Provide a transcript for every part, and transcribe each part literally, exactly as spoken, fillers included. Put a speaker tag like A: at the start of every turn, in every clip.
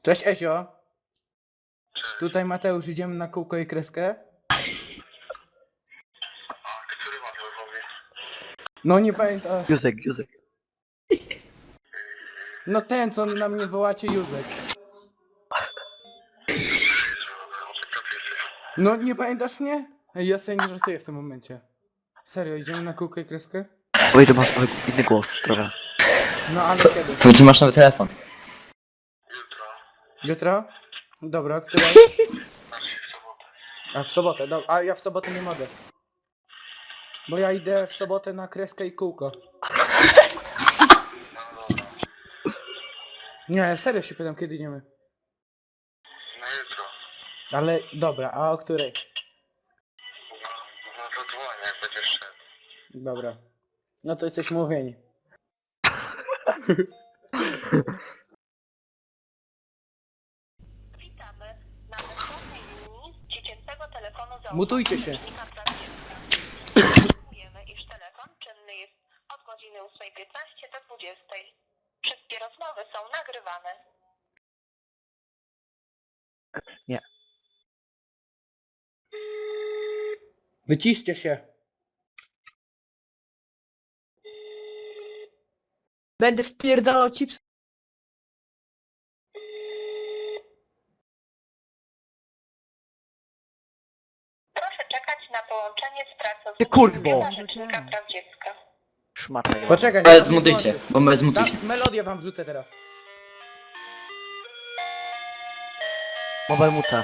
A: Cześć Ezio. Tutaj Mateusz, idziemy na kółko i kreskę?
B: A który Mateusz mówi?
A: No nie pamiętam.
C: Józek, Józek.
A: No ten, co na mnie wołacie, Józek. No nie pamiętasz mnie? Ej, ja sobie nie żartuję w tym momencie. Serio, idziemy na kółko i kreskę?
C: Oj, to masz nowy inny głos trochę.
A: No ale kiedy?
D: Powiedz, że masz nowy telefon.
B: Jutro.
A: Jutro? Dobra, która?
B: Znaczy w sobotę.
A: A w sobotę, dobra. A ja w sobotę nie mogę. Bo ja idę w sobotę na kreskę i kółko.
B: No dobra.
A: Nie, serio się pytam, kiedy idziemy.
B: No jutro.
A: Ale dobra, a o której?
B: No, no to dzwonię, jak będziesz szedł.
A: Dobra. No to jesteśmy umówieni.
E: Witamy na bezpłatnej linii dziecięcego telefonu za
A: Mutujcie się.
E: Informujemy, iż telefon czynny jest od godziny ósmej piętnaście do dwudziestej. Wszystkie rozmowy są nagrywane.
C: Nie.
A: Wyciszcie się.
F: Będę wpierdalał chips.
E: Proszę czekać na połączenie z
C: Ty
E: pracownikiem
C: kurwo!
E: Biura Rzecznika Praw Dziecka.
C: Szmata.
A: Poczekaj.
D: Ale
A: tam
D: zmutujcie,
A: nie
D: bo my zmutujcie.
A: Ta, melodię wam wrzucę teraz.
C: Mobile muta.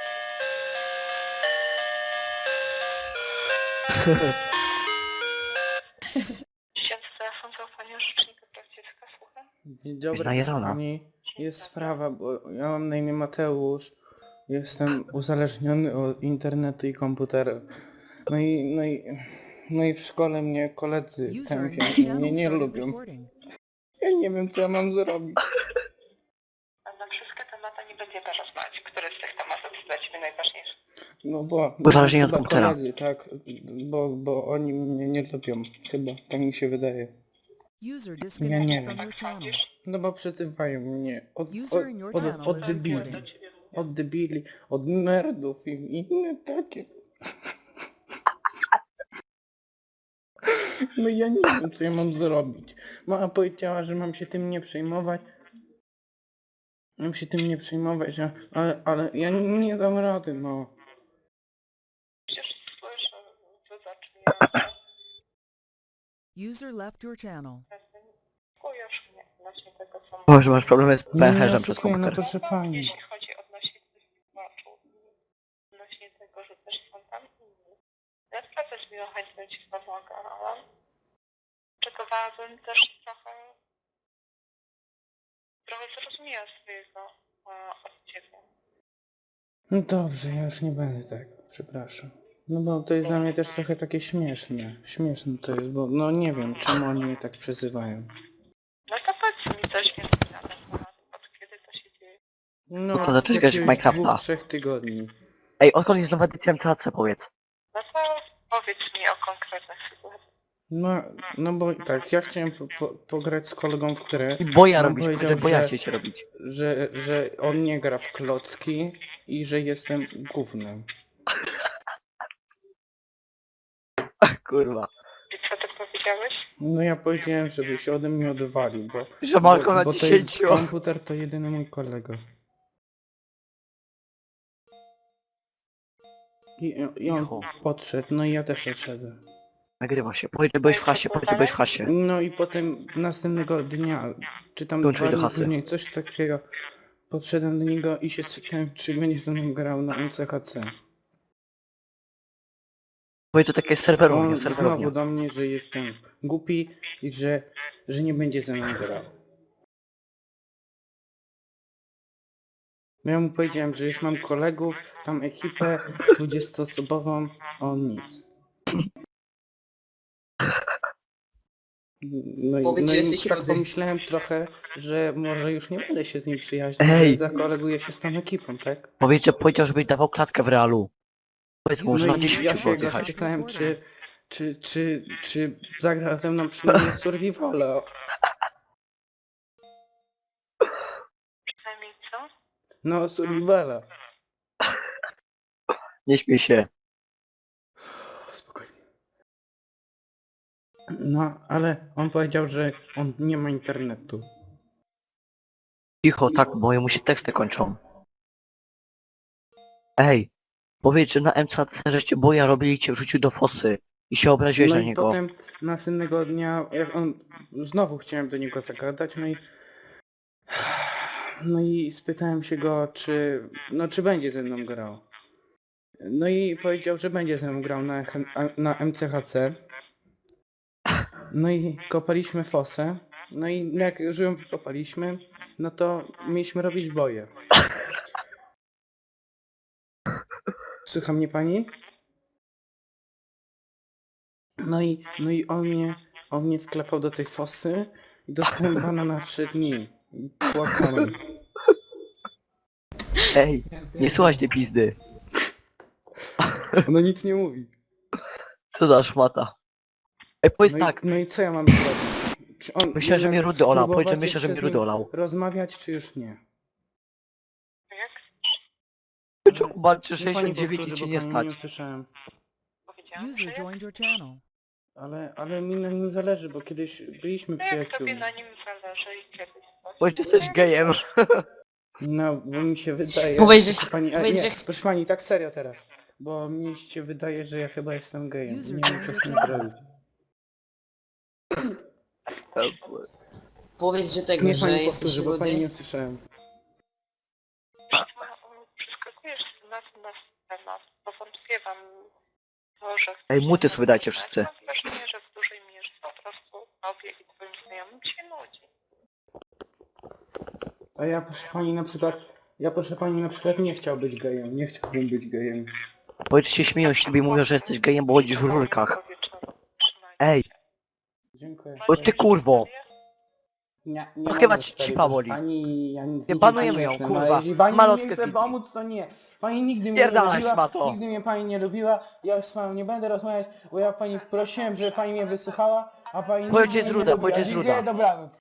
E: Dziecięcy telefon zaufania Rzecznika Praw Dziecka, słucham.
A: Dzień dobry,
C: Najeżona.
A: pani. Jest sprawa, bo ja mam na imię Mateusz. Jestem uzależniony od internetu i komputera. No i, no i, no i w szkole mnie koledzy tępią i mnie nie lubią. Ja nie wiem, co ja mam zrobić.
E: A na wszystkie tematy nie będziemy rozmawiać. Który z tych tematów jest dla Ciebie najważniejszy?
A: No bo...
C: Uzależnienie od
A: chyba
C: komputera.
A: koledzy, tak, bo, bo oni mnie nie lubią. Chyba, tak mi się wydaje.
G: User
A: Ja
G: disconnected
A: nie
G: from
A: wiem.
G: your channel.
A: No bo przezywają mnie od, od,
G: User in your
A: od,
G: channel
A: od
G: is
A: debili.
G: recording.
A: Od debili, od nerdów i inne takie. No ja nie wiem, co ja mam zrobić. Mama powiedziała, że mam się tym nie przejmować. Mam się tym nie przejmować, a- ale, ale ja nie, nie dam rady, no.
E: Przecież słyszę, że zaczynają
G: User left your channel.
E: Skujesz mnie odnośnie tego, co
C: Boże, masz problemy z
A: Nie, nie
C: pęcherzem przez
A: oszukuję, no
C: komputer.
A: proszę pani.
E: Jeśli chodzi odnośnie tych tłumaczów, odnośnie tego, że też są tam inni. Ja naprawdę z miłą chęcią Ci pomagałam. Czekowałabym też trochę... Trochę zrozumiała swojego e, od Ciebie.
A: No dobrze, ja już nie będę tak, przepraszam. No bo to jest dla mnie też trochę takie śmieszne. Śmieszne to jest, bo no nie wiem, czemu oni mnie tak przezywają.
E: No to powiedz mi coś więcej na ten temat. Od kiedy to się dzieje?
A: No,
C: to zacząłeś grać w
A: jakiegoś
C: Minecrafta.
A: dwóch, trzech tygodni.
C: Ej, odkąd jest nowa edycja M C A C, powiedz.
E: No to powiedz mi o konkretnych sytuacjach.
A: No, no bo tak, ja chciałem po, po, pograć z kolegą w grę.
C: I boja
A: On
C: robić,
A: powiedział,
C: że boja
A: że-
C: cię się robić.
A: Że, że on nie gra w klocki i że jestem gównem.
C: Kurwa.
E: I co ty powiedziałeś?
A: No ja powiedziałem, żeby się ode mnie odwalił, bo,
C: Że Marko
A: bo,
C: na
A: bo to jest,
C: dziesięciu.
A: komputer to jedyny mój kolega. I, I on
C: Cicho.
A: podszedł, no i ja też odszedłem.
C: Nagrywa się. Powiedz, że byłeś w hasie, powiedz, że byłeś w hasie.
A: No i potem następnego dnia, czy tam
C: Dołączyłeś
A: dwa
C: do
A: dni
C: hasy.
A: później, coś takiego, podszedłem do niego i się spytałem, czy będzie ze mną grał na M C H C.
C: Powiedz, że takie serwerownie,
A: On znowu
C: serwerownie.
A: do mnie, że jestem głupi i że, że nie będzie ze mną grał. Ja mu powiedziałem, że już mam kolegów, tam ekipę dwudziestoosobową, a on nic. No i,
D: Powiedz,
A: no
D: że
A: i
D: jesteś
A: tak
D: rudy.
A: pomyślałem trochę, że może już nie będę się z nim przyjaźnił,
C: Ej!
A: że zakoleguję się z tą ekipą, tak?
C: Powiedz, że powiedział, żebyś dawał klatkę w realu. Powiedz mu, że
A: No
C: na
A: i
C: dziesięć
A: ja się
C: było
A: go
C: jechać.
A: spytałem, czy, czy, czy, czy zagra ze mną przynajmniej survivala.
E: Przynajmniej co?
A: No, survivala.
C: Nie śmiej się.
A: Spokojnie. No, ale on powiedział, że on nie ma internetu.
C: Cicho, tak, bo mu się teksty kończą. Ej, powiedz, że na M C C żeście boja robili cię wrzucił do fosy i się obraziłeś
A: No
C: na
A: i
C: niego.
A: potem następnego dnia, jak on, znowu chciałem do niego zagadać, no i no i spytałem się go, czy, no czy będzie ze mną grał. No i powiedział, że będzie ze mną grał na, na M C H C. No i kopaliśmy fosę. No i jak już ją wykopaliśmy, no to mieliśmy robić boje. Słucha mnie pani? No i, no i on mnie, on mnie wklepał do tej fosy i dostałem bana na trzy dni. I płakałem.
C: Ej, nie słuchaj tej pizdy.
A: Ono nic nie mówi.
C: Co za szmata. Ej, powiedz
A: No
C: tak,
A: i, no i co ja mam zrobić? Czy on
C: myślę, że
A: jednak
C: mnie Rudy olał.
A: spróbować
C: Powiedz, że myślę, że
A: jeszcze
C: mnie
A: z
C: Rudy
A: nim
C: olał.
A: rozmawiać, czy już nie?
E: Jak
C: Czuba trzy
A: Niech
C: sześćdziesiąt
A: pani
C: dziewięć
A: powtórzy,
C: i cię
A: bo
C: nie
A: pani
C: stać.
A: nie usłyszałem.
E: powiedziałam, że
G: User
E: jak,
G: joined your channel.
A: Ale, ale mi na nim zależy, bo kiedyś byliśmy
E: to jak tobie
A: przyjaciółmi.
E: na nim zależy i kiedyś coś.
C: Powiedz, że jesteś gejem.
A: No, bo mi się wydaje...
F: Powiedz, że-
A: proszę pani, a,
F: powiedz,
A: nie,
F: że-
A: proszę pani, tak serio teraz. Bo mi się wydaje, że ja chyba jestem gejem.
G: User
A: Nie wiem, co z tym
G: joined your
A: zrobić.
F: Powiedz, że tego,
A: Niech
F: że
A: pani
F: jesteś
A: powtórzy, bo pani
F: rudy.
A: nie usłyszałem.
E: No, przeskakujesz z tematu na temat, bo wątpiewam w to, że chcesz
C: Ej, muty
E: się
C: sobie dajcie
E: poznać.
C: wszyscy.
E: Mam wrażenie, że w dużej mierze po prostu tobie i twoim znajomym się nudzi.
A: A ja proszę pani na przykład... Ja proszę pani na przykład nie chciał być gejem. Nie chciałbym być gejem.
C: Powiedz, że się śmieją z ciebie i mówią, że jesteś gejem, bo chodzisz w rurkach. Ej,
A: Dziękuję.
C: o ty kurwo.
A: Nie, nie
C: No chyba
A: mogę,
C: ci-
A: stary,
C: ci
A: proszę
C: boli.
A: Pani, ja nic
C: Nie
A: nigdy
C: banujemy
A: pani
C: ją,
A: jestem,
C: kurwa.
A: ale jeśli pani mi
C: Malotkę
A: nie chce
C: Bibi.
A: pomóc, to nie. Pani nigdy mnie nie
C: Pierdalaj,
A: lubiła,
C: szmato.
A: nigdy mnie pani nie lubiła, ja już z panią nie będę rozmawiać, bo ja pani prosiłem, żeby pani mnie wysłuchała, a pani
C: Powiedz,
A: nigdy
C: że
A: mnie
C: jest
A: nie
C: ruda,
A: lubiła.
C: powiedz, że jest
A: Dziękuję,
C: ruda.
A: dobranoc.